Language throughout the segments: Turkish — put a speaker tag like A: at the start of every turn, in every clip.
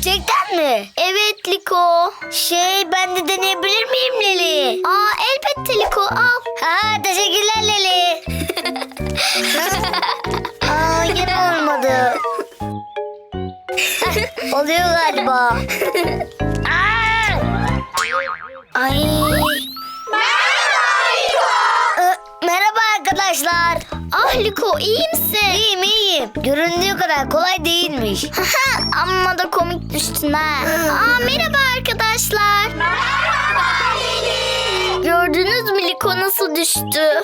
A: Gerçekten mi?
B: Evet Liko.
A: Ben de deneyebilir miyim Leli?
B: Elbette Liko, al.
A: Teşekkürler Leli. Yine olmadı. Oluyor galiba. Ay. Merhaba arkadaşlar.
B: Liko, iyi misin?
A: İyiyim. Göründüğü kadar kolay değilmiş.
B: Amma da komik düştün ha. Merhaba arkadaşlar. Merhaba Leli. Gördünüz mü Liko nasıl düştü?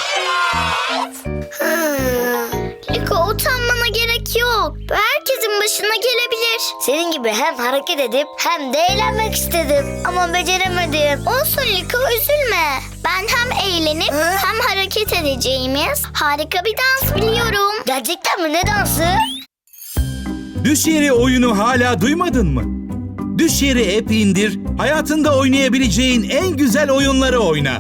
B: Liko, utanmana gerek yok. Bu herkesin başına gelebilir.
A: Senin gibi hem hareket edip hem de eğlenmek istedim. Ama beceremedim.
B: Olsun Liko, üzülme. Ben hem eğlenip hem hareket edeceğimiz harika bir dans biliyorum.
A: Gerçekten mi? Ne dansı?
C: Düş Yeri oyunu hala duymadın mı? Düş Yeri app indir, hayatında oynayabileceğin en güzel oyunları oyna.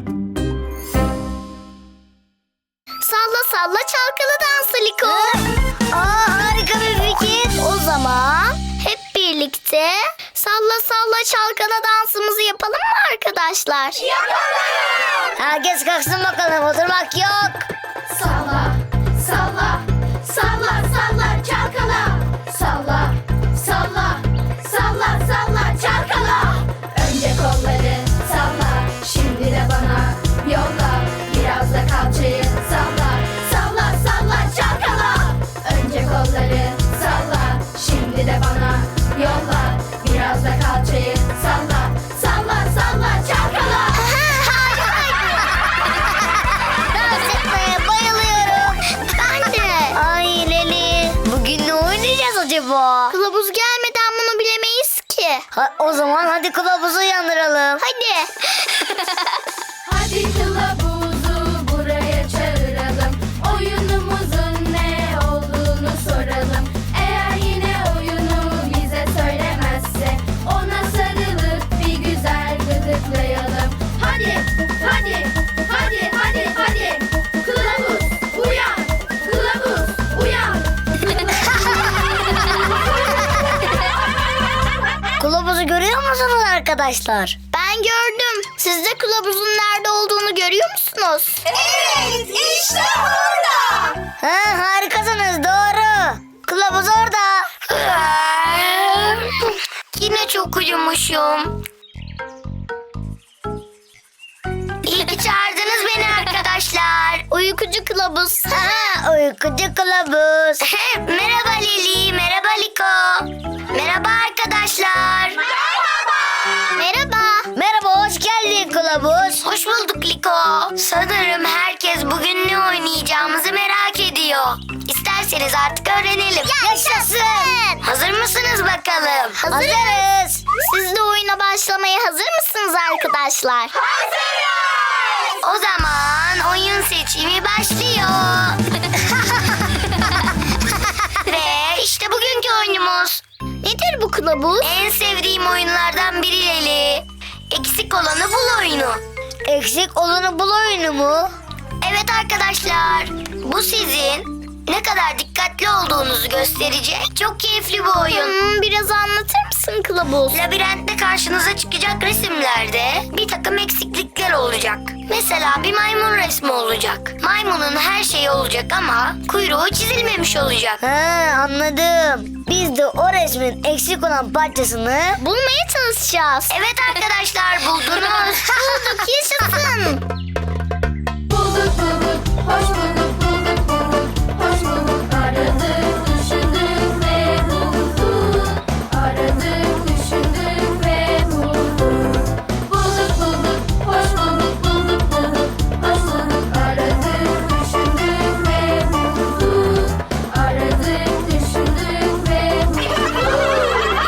B: Salla salla çalkalı dansı Liko.
A: Harika bir fikir.
B: O zaman hep birlikte salla salla çalkala dansımızı yapalım mı arkadaşlar?
A: Herkes kalksın bakalım. Oturmak yok.
D: Salla, salla, salla, salla, çalkala. Salla, salla, salla, salla, çalkala. Önce kolları salla, şimdi de bana yolla. Biraz da kalçayı salla, salla, salla, çalkala. Önce kolları salla, şimdi de bana yolla. Biraz da kalçayı salla, salla, salla, çalkala.
A: Dans etmeye bayılıyorum.
B: Ben de.
A: Ay Leli. Bugün ne oynayacağız acaba?
B: Kılavuz gelmeden bunu bilemeyiz ki.
A: O zaman hadi kılavuzu uyandıralım.
B: Hadi.
D: Hadi kılavuzu buraya çağıralım. Oyunumuzun ne olduğunu soralım. Eğer yine oyunu bize söylemezse ona sarılıp bir güzel gıdıklayalım. Hadi, hadi, hadi, hadi, hadi. Kılavuz uyan, kılavuz uyan.
A: Kılavuzu görüyor musunuz arkadaşlar?
B: Ben gördüm. Siz de kılavuzun nerede olduğunu görüyor musunuz?
D: Evet, işte orada.
A: Harikasınız, doğru. Kılavuz orada.
B: Yine çok uyumuşum. İyi ki çağırdınız beni arkadaşlar. Uykucu kılavuz.
A: Uykucu kılavuz.
B: Merhaba Leli, merhaba Liko. Merhaba arkadaşlar. Merhaba.
A: Merhaba, hoş geldin kılavuz.
B: Hoş bulduk Liko. Sanırım herkes bugün ne oynayacağımızı merak ediyor. İsterseniz artık öğrenelim.
A: Yaşasın.
B: Hazır mısınız bakalım?
A: Hazırız.
B: Siz de oyuna başlamaya hazır mısınız arkadaşlar?
D: Hazırız.
B: O zaman oyun seçimi başlıyor. Ve işte bugünkü oyunumuz. Nedir bu kılavuz? En sevdiğim oyunlardan biri Leli. Eksik olanı bul oyunu.
A: Eksik olanı bul oyunu mu?
B: Evet arkadaşlar, bu sizin ne kadar dikkatli olduğunuzu gösterecek çok keyifli bir oyun. Biraz anlatır mısın kılavuz? Labirentte karşınıza çıkacak resimlerde bir takım eksiklikler olacak. Mesela bir maymun resmi olacak. Maymunun her şeyi olacak ama kuyruğu çizilmemiş olacak.
A: Anladım. Biz de o resmin eksik olan parçasını
B: Bulmaya çalışacağız. Evet arkadaşlar, buldunuz. Bulduk, yaşasın.
D: Bulduk bulduk, hoş bulduk, bulduk bulduk, hoş bulduk. Aradık, düşündük ve bulduk. Aradık, düşündük ve bulduk. Bulduk bulduk, hoş bulduk, bulduk bulduk, hoş bulduk. Aradık, düşündük ve bulduk. Aradık, düşündük ve bulduk.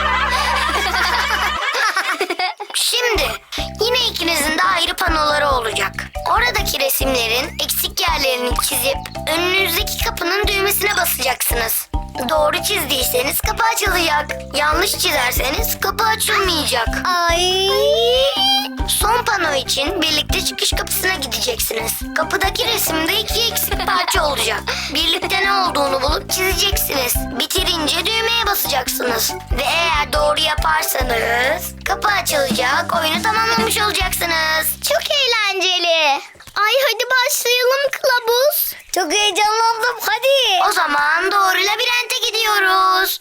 B: Şimdi yine ikinizin de ayrı panoları olacak. Oradaki resimlerin eksik yerlerini çizip önünüzdeki kapının düğmesine basacaksınız. Doğru çizdiyseniz kapı açılacak. Yanlış çizerseniz kapı açılmayacak.
A: Ay.
B: Son panoyu için birlikte çıkış kapısına gideceksiniz. Kapıdaki resimde 2 eksik parça olacak. Birlikte ne olduğunu bulup çizeceksiniz. Bitirince düğmeye basacaksınız. Ve eğer doğru yaparsanız kapı açılacak, oyunu tamamlamış olacaksınız.
A: Çok eğlenceli. Ay hadi başlayalım kılavuz. Çok heyecanlandım hadi.
B: O zaman doğru labirente gidiyoruz.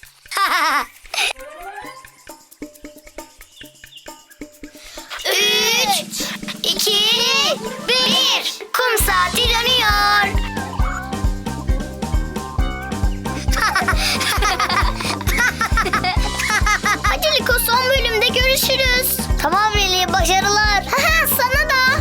B: 3, 2, 1. Kum saati dönüyor.
A: Hadi Liko son bölümde görüşürüz. Tamam Leli başarılar. Sana da.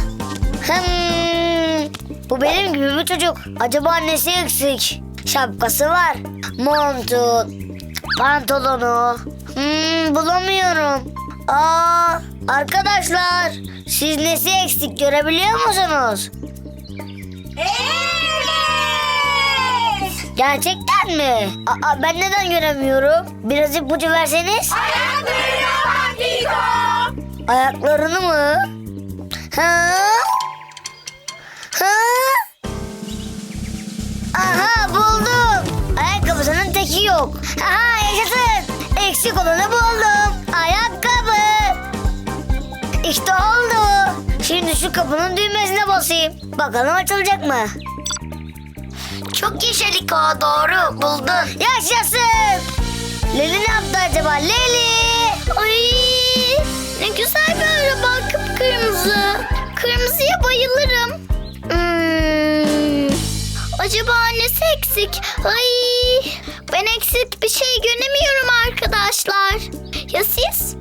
A: Bu benim gibi bir çocuk. Acaba annesi eksik? Şapkası var. Montu, pantolonu. Bulamıyorum. Arkadaşlar siz nesi eksik görebiliyor musunuz? Gerçekten mi? Ben neden göremiyorum? Biraz ipucu verseniz. Ayaklarını mı? Aha buldum. Ayakkabısının teki yok. Aha yaşasın. Eksik olanı buldum. Ayakkabı. İşte oldu. Şimdi şu kapının düğmesine basayım. Bakalım açılacak mı?
B: Çok yaşa Liko, doğru buldun.
A: Yaşasın. Leli ne yaptı acaba? Leli. Ay ne güzel bir araba, kıpkırmızı. Kırmızıya bayılırım. Acaba annesi eksik? Ay ben eksik bir şey göremiyorum arkadaşlar. Ya siz?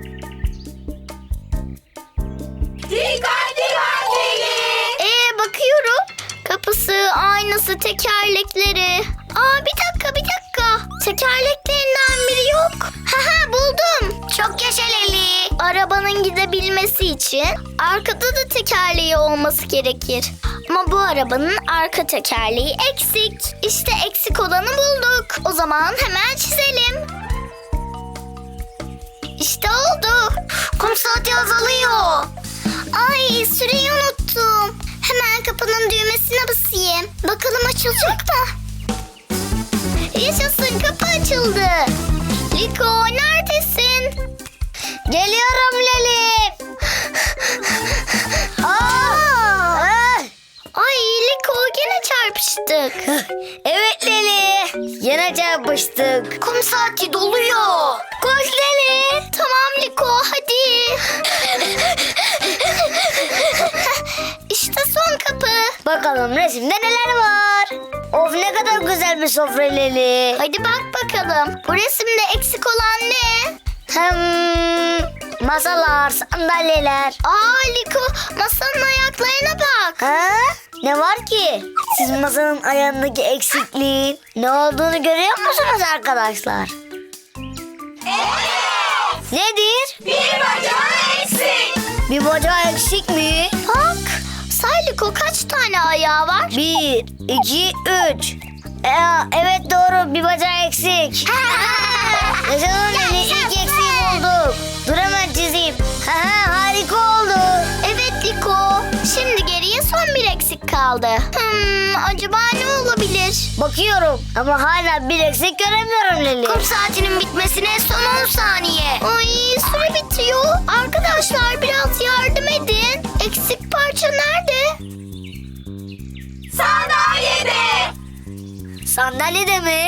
A: Bakıyorum. Kapısı, aynası, tekerlekleri. Bir dakika. Tekerleklerinden biri yok. Buldum.
B: Çok yaşa Leli.
A: Arabanın gidebilmesi için arkada da tekerleği olması gerekir. Ama bu arabanın arka tekerleği eksik. İşte eksik olanı bulduk. O zaman hemen çizelim. İşte oldu.
B: Kum saati azalıyor.
A: Ay süreyi unuttum. Hemen kapının düğmesine basayım. Bakalım açılacak mı? Yaşasın, kapı açıldı. Liko neredesin? Geliyorum Leli. Ay Liko gene çarpıştık. Evet Leli. Yine çarpıştık.
B: Kum saati doluyor.
A: Koş Leli. Tamam Liko hadi. İşte son kapı. Bakalım resimde neler var. Of ne kadar güzel bir sofra Leli. Hadi bak bakalım. Bu resimde eksik olan ne? Masalar, sandalyeler. Liko masanın ayaklarına bak. Ne var ki? Siz masanın ayağındaki eksikliğin ne olduğunu görüyor musunuz arkadaşlar? Evet. Nedir?
B: Bir bacağı eksik.
A: Bir bacağı eksik mi? Bak. Say Liko kaç tane ayağı var? 1, 2, 3. Evet doğru bir bacağı eksik. Yaşasın Leli ilk eksiği bulduk. Dur hemen çizeyim. Harika oldu. Evet Liko. Şimdi geriye son bir eksik kaldı. Acaba ne olabilir? Bakıyorum ama hala bir eksik göremiyorum Leli.
B: Kum saatinin bitmesine son 10 saniye.
A: Ay süre bitiyor. Arkadaşlar biraz yardım edin. Eksik parça nerede?
B: Sandalyede.
A: Sandalyede mi?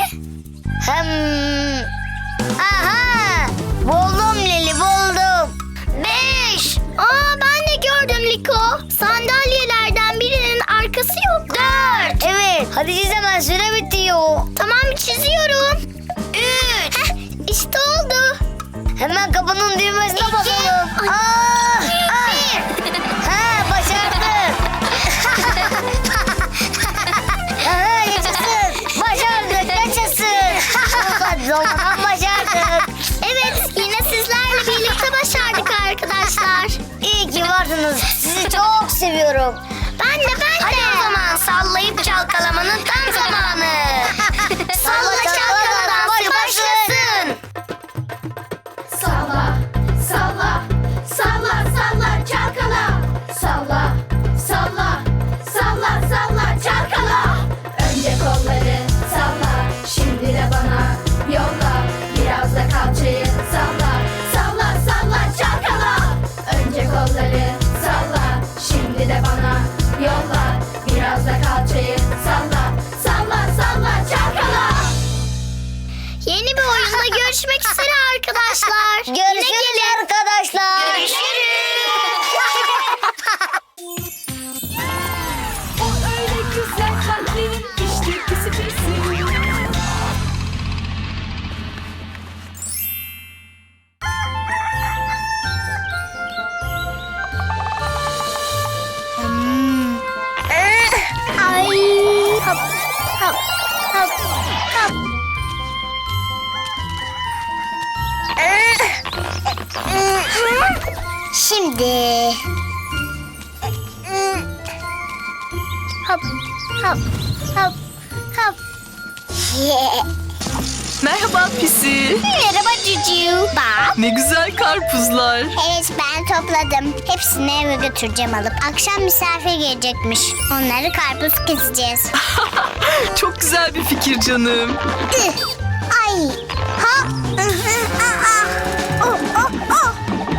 A: Aha! Buldum Leli buldum.
B: 5.
A: Ben de gördüm Liko. Sandalyelerden birinin arkası yok. 4. Evet. Hadi çiz hemen süre bitiyor. Tamam çiziyorum.
B: 3.
A: İşte oldu. Hemen kapının düğmesine basalım. Başardık. Yaşasın. Başardık. Yaşasın. Zaman başardık. Evet yine sizlerle birlikte başardık arkadaşlar. İyi ki varsınız. Sizi çok seviyorum. Ben de.
B: Hadi o zaman sallayıp çalkalamanın tam zamanı. Salla çalkala dansı başlasın.
D: Salla, salla, salla, salla çalkala. Salla, yollar. Biraz da kalçayı salla, salla, salla çalkala.
B: Yeni bir oyunda görüşmek üzere arkadaşlar.
A: Görüşürüz arkadaşlar.
D: O öyle güzel kalplerin işte pisi pisi.
A: Ay. Hop hop hop hop. Şimdi. Hop hop hop hop.
E: Merhaba Pisi.
A: Merhaba Cucu. Bak.
E: Ne güzel karpuzlar.
A: Evet ben topladım. Hepsini eve götüreceğim alıp. Akşam misafir gelecekmiş. Onları karpuz keseceğiz.
E: Çok güzel bir fikir canım.
A: Ay. Ha. Oh, oh, oh.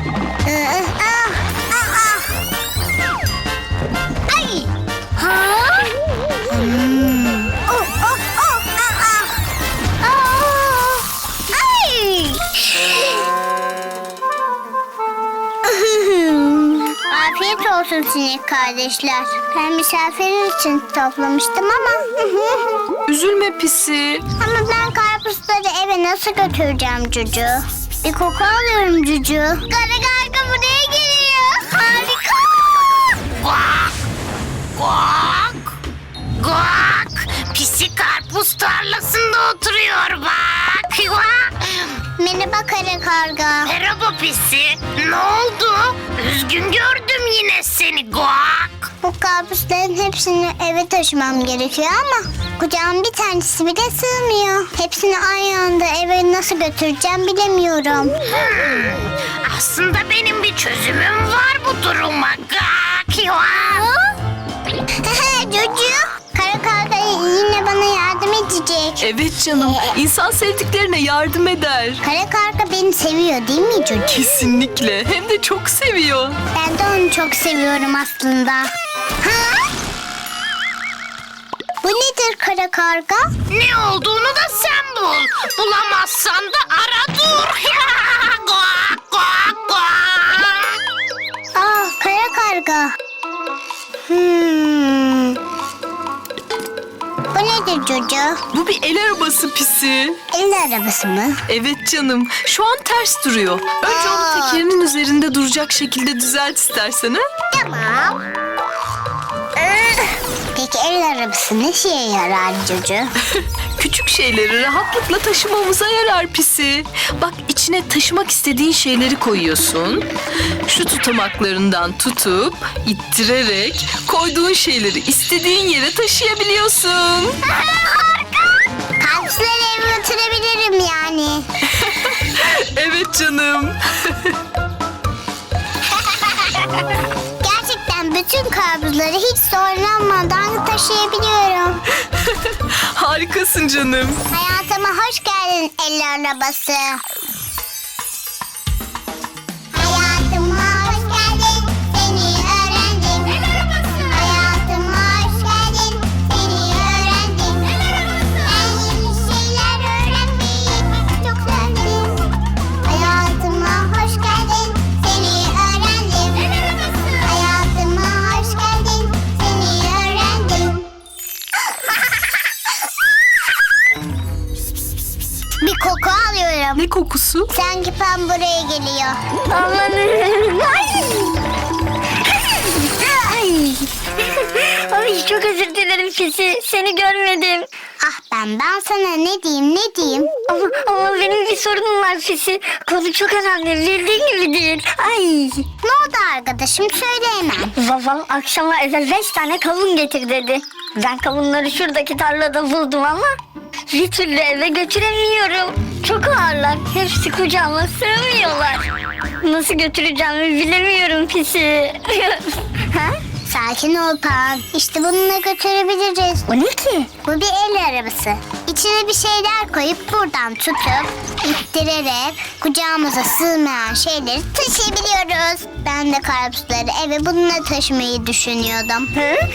A: Ay. Ha. Oh, oh, oh. Ay. Afiyet olsun sinek kardeşler. Ben misafir için toplamıştım ama.
E: Üzülme Pisi.
A: Ama ben karpuzları eve nasıl götüreceğim Cucu? Bir koku alıyorum Cucu. Kara karga buraya geliyor. Harika.
B: Guak! Guak! Pisi karpuz tarlasında oturuyor bak.
A: Merhaba kara karga.
B: Merhaba Pisi. Ne oldu? Üzgün gördüm yine seni Guak.
A: Bu karpuzların hepsini eve taşımam gerekiyor ama kucağım bir tanesi bile sığmıyor. Hepsini aynı anda eve nasıl götüreceğim bilemiyorum.
B: Aslında benim bir çözümüm var bu duruma. Guak!
A: Cucu, kara karga yine bana yardım edecek.
E: Evet canım. İnsan sevdiklerine yardım eder.
A: Kara karga beni seviyor değil mi Cucu?
E: Kesinlikle. Hem de çok seviyor.
A: Ben de onu çok seviyorum aslında. Ha? Bu nedir kara karga?
B: Ne olduğunu da sen bul. Bulamazsan da ara dur. Guak! Guak! Guak!
A: Kara karga. Bu nedir Cucu?
E: Bu bir el arabası Pisi.
A: El arabası mı?
E: Evet canım. Şu an ters duruyor. Önce onu tekerinin üzerinde duracak şekilde düzelt istersen ha?
A: Tamam. Peki el arabası ne şeye yarar Cucu?
E: Küçük şeyleri rahatlıkla taşımamıza yarar Pisi. Bak içine taşımak istediğin şeyleri koyuyorsun. Şu tutamaklarından tutup ittirerek koyduğun şeyleri istediğin yere taşıyabiliyorsun.
A: Karpuzları eve götürebilirim yani.
E: Evet canım.
A: Gerçekten bütün karpuzları hiç zorlanmadan taşıyabiliyorum.
E: Harikasın canım.
A: Hayatıma hoş geldin el arabası. Hayatıma hoş geldin, seni öğrendim. El arabası. Hayatıma hoş geldin, seni öğrendim. El arabası. Ben yeni şeyler öğrenmeyi çok sevdim. Hayatıma hoş geldin, seni öğrendim. El arabası. Hayatıma hoş geldin, seni öğrendim. Bir koku alıyorum.
E: Ne kokusu?
A: Sanki Pam buraya geliyor.
B: Amanın.
A: Ay.
B: Ay çok özür dilerim Pisi. Seni görmedim.
A: Ah ben sana ne diyeyim?
B: Ama benim bir sorunum var Pisi. Konu çok önemli. Bildiğin gibi değil. Ay.
A: Ne oldu arkadaşım söyle hemen.
B: Babam akşama eve 5 tane kavun getir dedi. Ben kavunları şuradaki tarlada buldum ama bir türlü eve götüremiyorum. Çok ağırlar. Hepsi kucağıma sığmıyorlar. Nasıl götüreceğimi bilemiyorum Pisi. Ha?
A: Sakin ol Pan. İşte bununla götürebiliriz. Bu ne ki? Bu bir el arabası. İçine bir şeyler koyup buradan tutup ittirerek kucağımıza sığmayan şeyleri taşıyabiliyoruz. Ben de karpuzları eve bununla taşımayı düşünüyordum.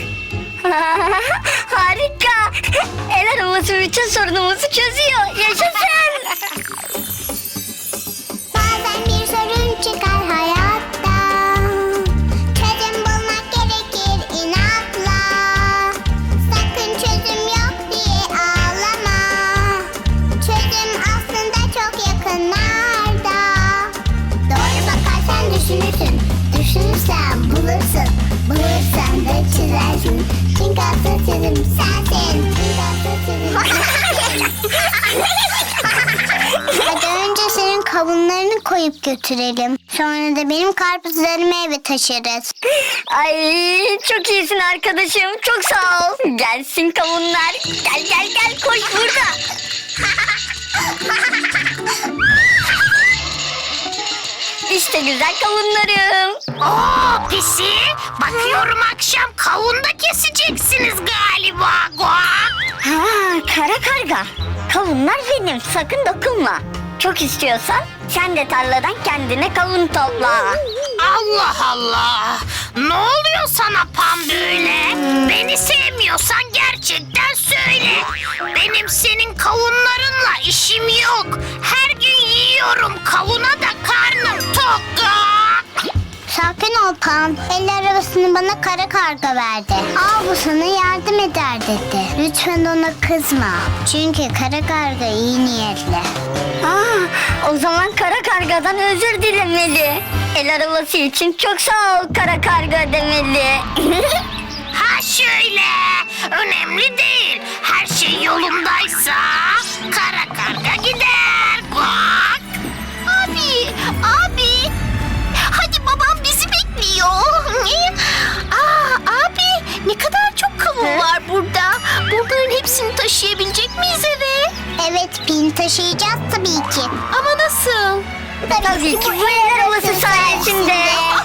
B: Harika. El arabası bütün sorunumuzu çözüyor. Yaşasın.
A: Bazen bir sorun çıkar hayatta. Çözüm bulmak gerekir inatla. Sakın çözüm yok diye ağlama. Çözüm aslında çok yakınlarda. Doğru bakarsan düşünürsün. Düşünürsen bulursun. Bulursan da çizersin. Çünkü asıl çözüm sensin. Çünkü asıl çözüm sensin. Hadi önce senin kavunlarını koyup götürelim. Sonra da benim karpuzlarımı eve taşırız.
B: Ay çok iyisin arkadaşım. Çok sağ ol. Gelsin kavunlar. Gel gel gel koş burada. İşte güzel kavunlarım.
F: Oo pisi, bakıyorum akşam kavun da keseceksiniz galiba. Guak.
B: Ha, kara karga. Kavunlar benim. Sakın dokunma. Çok istiyorsan sen de tarladan kendine kavun topla.
F: Allah Allah. Ne oluyor sana Pam böyle? Beni sevmiyorsan gerçekten söyle. Benim senin kavunlarınla işim yok. Her gün yiyorum kavuna da karnım tok. Guak.
A: Sakin ol Pan. El arabasını bana kara karga verdi. Al bu sana yardım eder dedi. Lütfen ona kızma. Çünkü kara karga iyi niyetli.
B: O zaman kara kargadan özür dilemeli. El arabası için çok sağ ol kara karga demeli.
F: Ha şöyle. Önemli değil. Her şey yolundaysa kara karga gider. Guak.
B: Abi. Hadi babam bizi bekliyor. Abi ne kadar çok kavun var burada. Bunların hepsini taşıyabilecek miyiz eve?
A: Evet Pin taşıyacağız tabii ki.
B: Ama nasıl? Tabii ki bu el arabası sayesinde.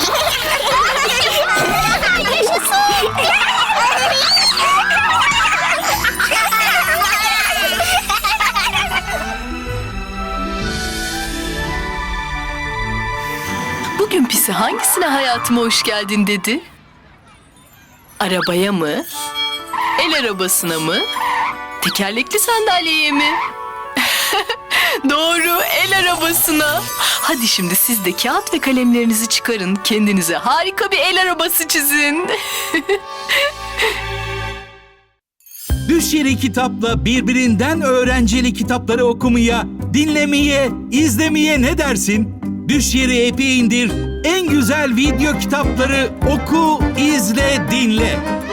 E: Bugün Pisi hangisine hayatıma hoş geldin dedi? Arabaya mı? El arabasına mı? Tekerlekli sandalyeye mi? Doğru, el arabasına. Hadi şimdi siz de kağıt ve kalemlerinizi çıkarın. Kendinize harika bir el arabası çizin.
C: Düş Yeri Kitap'la birbirinden öğrenceli kitapları okumaya, dinlemeye, izlemeye ne dersin? Düş Yeri app'i indir, en güzel video kitapları oku, izle, dinle.